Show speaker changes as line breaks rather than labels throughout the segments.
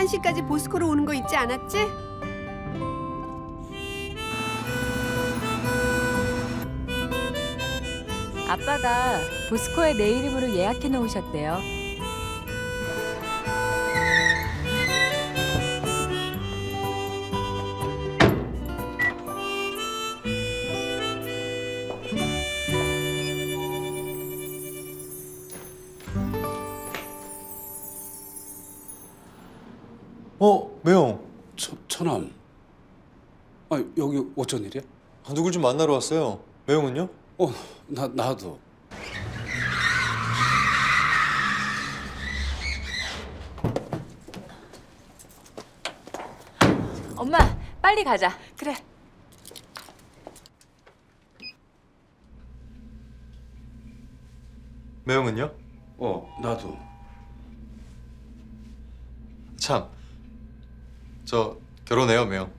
1시까지 보스코로 오는 거 잊지 않았지?
아빠가 보스코에 내 이름으로 예약해 놓으셨대요.
매형.
천암. 아, 여기 어쩐 일이야?
누굴 좀 만나러 왔어요. 매형은요?
나도.
엄마, 빨리 가자.
그래.
매형은요?
나도.
참. 저 결혼해요, 매형.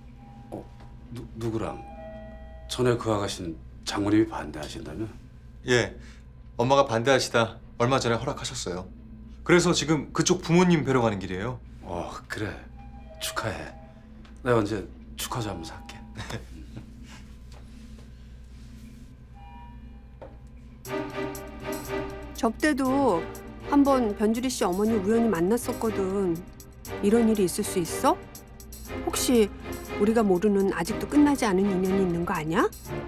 누구랑? 전에 그 아가씨는 장모님이 반대하신다며?
예. 엄마가 반대하시다 얼마 전에 허락하셨어요. 그래서 지금 그쪽 부모님 뵈러 가는 길이에요.
그래. 축하해. 내가 언제 축하주 한번 살게.
접대도 한번 변주리 씨 어머니 우연히 만났었거든. 이런 일이 있을 수 있어? 혹시 우리가 모르는 아직도 끝나지 않은 인연이 있는 거 아니야?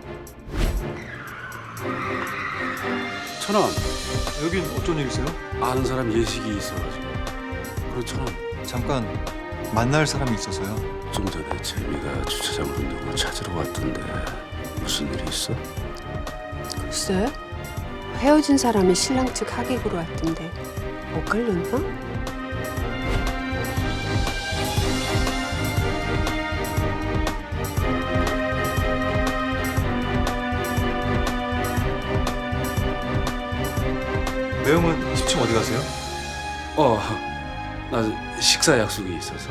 천암,
여긴 어쩐 일이세요?
아는 사람 예식이 있어가지고. 그리고 천암,
잠깐 만날 사람이 있어서요.
좀 전에 재미가 주차장으로 누구 찾으러 왔던데 무슨 일이 있어?
글쎄, 헤어진 사람이 신랑 측 하객으로 왔던데 엇갈렸나?
매형은 20층 어디 가세요?
나 식사 약속이 있어서.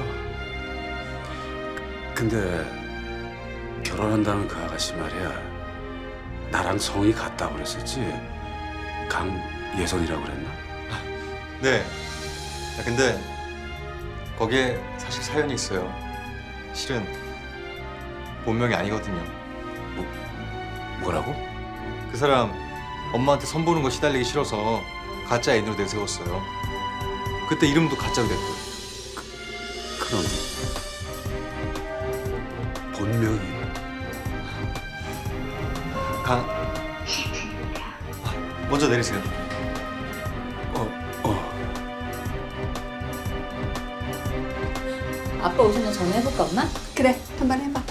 근데 결혼한다는 그 아가씨 말이야. 나랑 성이 같다고 그랬었지? 강예선이라고 그랬나?
네. 근데 거기에 사실 사연이 있어요. 실은 본명이 아니거든요.
뭐라고?
그 사람 엄마한테 선보는 거 시달리기 싫어서 가짜 애인으로 내세웠어요. 그때 이름도 가짜로 됐고요.
그럼 본명이
먼저 내리세요.
아빠 오시면 전화해볼까, 엄마?
그래, 한번 해봐.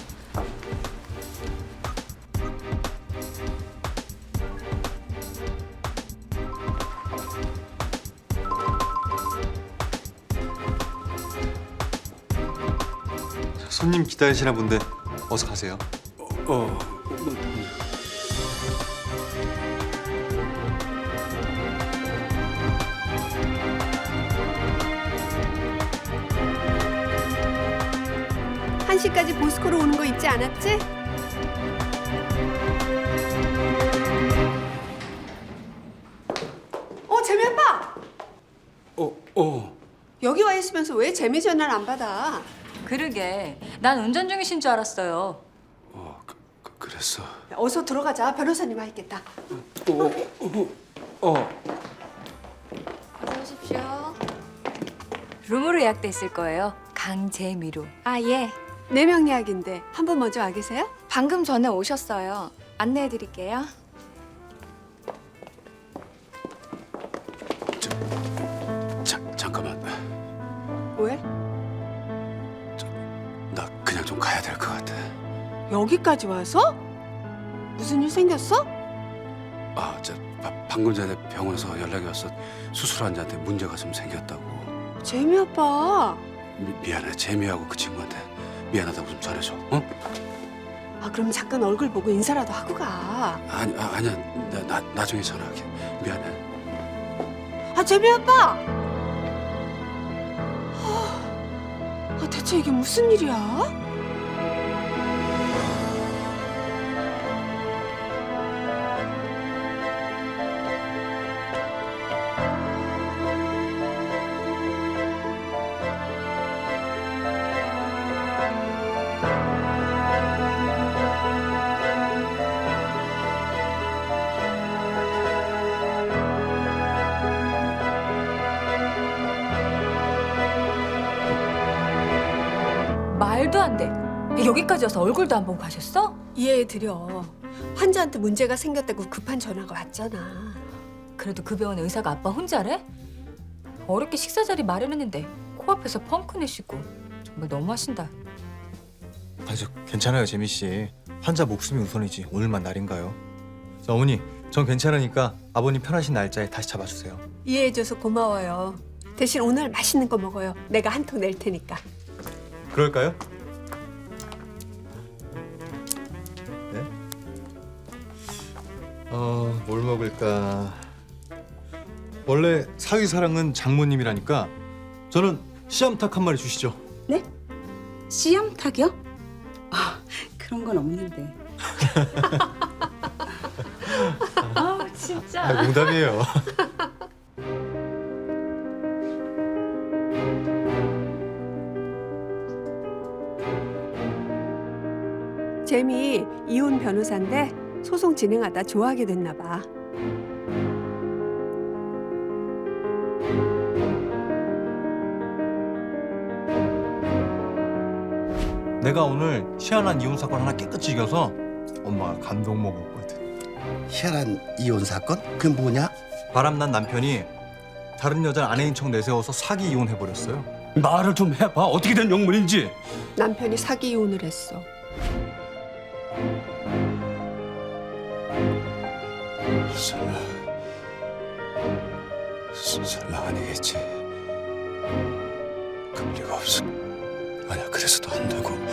손님 기다리시나 본데 어서 가세요.
한 시까지 보스코로 오는 거 잊지 않았지? 재미 아빠! 여기 와 있으면서 왜 재미 전화를 안 받아?
그러게, 난 운전 중이신 줄 알았어요.
그랬어.
어서 들어가자. 변호사님 와 있겠다.
어서 오십시오. 룸으로 예약돼 있을 거예요. 강재미로.
아, 예.
4명 예약인데 한 분 먼저 와 계세요?
방금 전에 오셨어요. 안내해 드릴게요.
잠깐만.
왜?
나 그냥 좀 가야 될 것 같아.
여기까지 와서? 무슨 일 생겼어?
방금 전에 병원에서 연락이 왔어. 수술 환자한테 문제가 좀 생겼다고.
재미 아빠.
미안해. 재미하고 그 친구한테 미안하다고 좀 전해줘. 어?
그럼 잠깐 얼굴 보고 인사라도 하고 가.
아니야. 나중에 전화할게. 미안해.
재미 아빠. 대체 이게 무슨 일이야?
말도 안 돼. 여기까지 와서 얼굴도 안 보고 가셨어?
이해해드려. 환자한테 문제가 생겼다고 급한 전화가 왔잖아.
그래도 그 병원 의사가 아빠 혼자래? 어렵게 식사 자리 마련했는데 코앞에서 펑크 내시고 정말 너무하신다.
저 괜찮아요, 재미 씨. 환자 목숨이 우선이지. 오늘만 날인가요? 자, 어머니, 전 괜찮으니까 아버님 편하신 날짜에 다시 잡아주세요.
이해해줘서 고마워요. 대신 오늘 맛있는 거 먹어요. 내가 한 통 낼 테니까.
그럴까요? 네? 뭘 먹을까? 원래 사위사랑은 장모님이라니까 저는 씨암탉 한 마리 주시죠.
네? 씨암탉이요? 아, 그런 건 없는데.
아 진짜.
농담이에요.
재미 이혼 변호사인데 소송 진행하다 좋아하게 됐나 봐.
내가 오늘 희한한 이혼 사건 하나 깨끗이 이겨서 엄마가 감동 먹었거든.
희한한 이혼 사건? 그게 뭐냐?
바람난 남편이 다른 여자 아내인 척 내세워서 사기 이혼해버렸어요.
말을 좀 해봐. 어떻게 된 영문인지.
남편이 사기 이혼을 했어.
설마 아니겠지. 그럴 리가 없어. 아니야, 그래서도 안 되고.